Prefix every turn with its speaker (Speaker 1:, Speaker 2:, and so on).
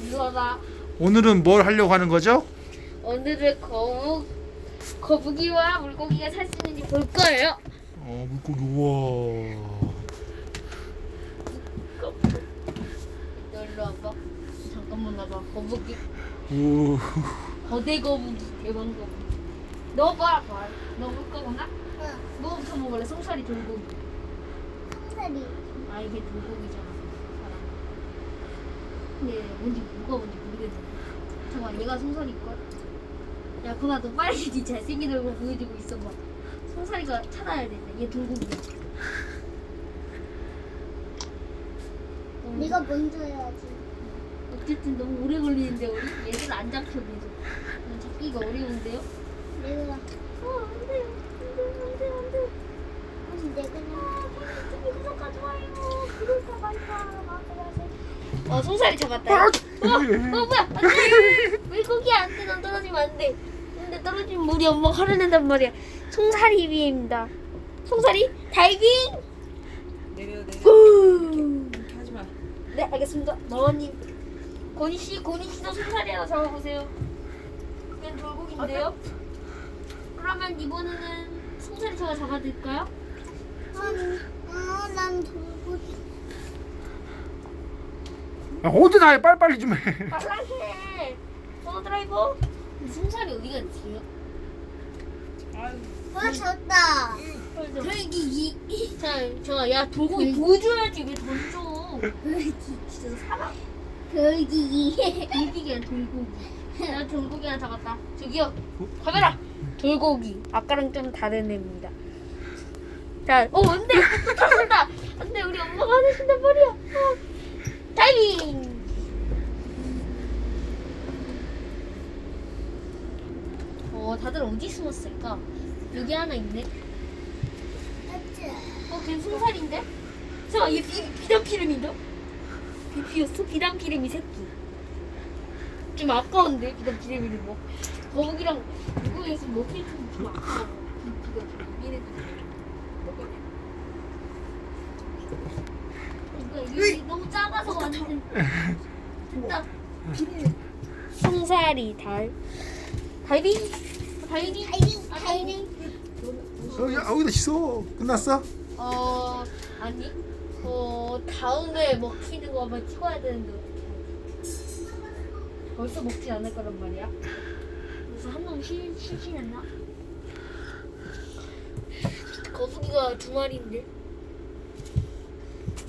Speaker 1: 일러라.
Speaker 2: 오늘은 뭘 하려고 하는 거죠?
Speaker 1: 오늘은 거북이와 물고기가 살 수 있는지 볼 거예요.
Speaker 2: 물고기 우와.
Speaker 1: 너 일로 와봐. 잠깐만 와봐. 거북이.
Speaker 2: 오.
Speaker 1: 거대 거북이. 대왕 거북이. 너 봐. 너 볼 거구나?
Speaker 3: 응.
Speaker 1: 뭐부터 먹을래? 송사리 돌고기.
Speaker 3: 송사리.
Speaker 1: 아 이게 돌고기잖아. 사람. 근데 뭐가 뭔지 모르겠네. 잠깐 얘가 송사리일걸? 야 그만 너 빨리 네 잘생긴 얼굴 보여주고 있어봐. 송사리가 찾아야 된다. 얘 돌고기야.
Speaker 3: 네가 먼저 해야지.
Speaker 1: 어쨌든 너무 오래 걸리는데 우리 얘들 안 잡혀 계속. 잡기가 어려운데요?
Speaker 3: 내가.
Speaker 1: 안돼 안돼.
Speaker 3: 아니 내가.
Speaker 1: 구독과 좋아요. 구독과 말까. 송사리 잡았다. 뭐야? 안돼. 물고기 안돼. 넌 떨어지면 안돼. 근데 떨어지면 우리 엄마가 화를 낸단 말이야. 송사리 비입니다. 송사리 다이빙.
Speaker 4: 내려.
Speaker 1: 후.
Speaker 4: 이렇게 하지 마.
Speaker 1: 네 알겠습니다. 마원님. 고니 씨도 송사리 하나 잡아보세요. 그냥 돌고기인데요. 그러면 이번에는 송사리 제가 잡아드릴까요?
Speaker 3: 난 돌고기.
Speaker 2: 어디 나해 빨리빨리 좀 해.
Speaker 1: 빨랑해. 드라이버. 송사리 어디 갔지요?
Speaker 4: 아유,
Speaker 3: 졌다.
Speaker 1: 돌기. 자, 야 돌고기 보여줘야지 왜 던져? 진짜 사람.
Speaker 3: 돌기.
Speaker 1: 돌기가 아니라 돌고기. 나 돌고기 하나 잡았다. 저기요. 카메라. 돌고기. 아까랑 좀 다른 애입니다. 자, 안돼. 찾았다. 안돼. 우리 엄마가 하신단 말이야. 다이빙. 다들 어디 숨었을까? 여기 하나 있네. 걔 송살인데? 잠깐, 얘 비단피름인데? 비피였어? 비단피름이 새끼. 좀 아까운데, 비단피름이는 뭐. 거북이랑 물고기에서 먹힐 좀 아까워. 얘네들. 이게 너무 작아서 완전. 됐다. 송사리 다이빙.
Speaker 2: 어디다 씻어? 끝났어?
Speaker 1: 아니. 다음에 먹히는 거 한번 찍어야 되는데 어떻게 하지? 벌써 먹지 않을 거란 말이야. 그래서 한 놈 쉬지 않나? 거북이가 2마리인데.